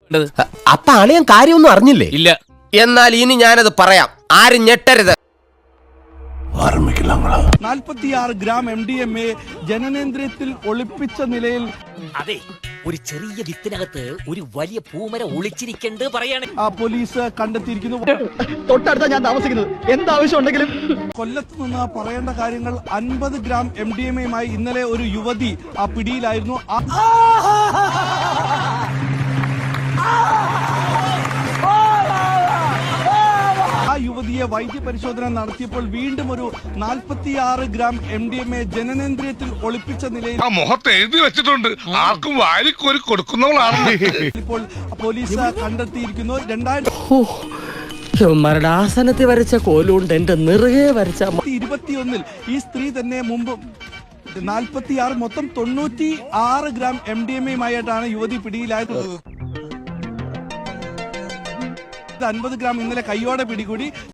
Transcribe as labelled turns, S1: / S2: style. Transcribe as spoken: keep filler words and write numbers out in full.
S1: അപ്പൊ അളിയൻ കാര്യമൊന്നും അറിഞ്ഞില്ലേ?
S2: ഇല്ല.
S1: എന്നാൽ ഇനി ഞാനത് പറയാം, ആരും ഞെട്ടരുത്.
S3: നാൽപ്പത്തിയാറ് gram M D M A ജനനേന്ദ്രിയത്തിൽ ഒളിപ്പിച്ച നിലയിൽ
S4: അതെ, ഒരു ചെറിയ വിത്തിനകത്ത് ഒരു വലിയ പൂമര ഒളിച്ചിരിക്കണ്ട് പറയാണ്
S3: പോലീസ് കണ്ടെത്തിയിരിക്കുന്നു.
S5: തൊട്ടടുത്ത ഞാൻ താമസിക്കുന്നത്, എന്താവശ്യം ഉണ്ടെങ്കിലും.
S3: കൊല്ലത്ത് നിന്ന് പറയേണ്ട കാര്യങ്ങൾ. അൻപത് ഗ്രാം എം ഡി എം എയുമായി ഇന്നലെ ഒരു യുവതി ആ പിടിയിലായിരുന്നു. ആ യുവതിയെ വൈദ്യപരിശോധന നടത്തിയപ്പോൾ വീണ്ടും ഒരു നാൽപ്പത്തിയാറ് gram M D M A ജനനേന്ദ്രിയത്തിൽ ഒളിപ്പിച്ച നിലയിൽ
S6: മുഖത്ത് എഴുതി വെച്ചിട്ടുണ്ട്, ആർക്കും വാരിക്കോരി കൊടുക്കുന്നവളാണ്.
S3: ഇപ്പോൾ പോലീസ് കണ്ടെത്തിയിരിക്കുന്നു. രണ്ടായിരത്തി
S5: മരണാസനത്തിൽ വരച്ച കോലുകൊണ്ട് എന്റെ നിറയെ വരച്ച
S3: ഇരുപത്തിയൊന്നിൽ ഈ സ്ത്രീ തന്നെ മുമ്പ് നാൽപ്പത്തിയാറ് മൊത്തം തൊണ്ണൂറ്റി ആറ് ഗ്രാം എം ഡി എം എയുമായിട്ടാണ് യുവതി പിടിയിലായത്. അൻപത് ഗ്രാം ഇന്നലെ കൈയോടെ പിടികൂടി.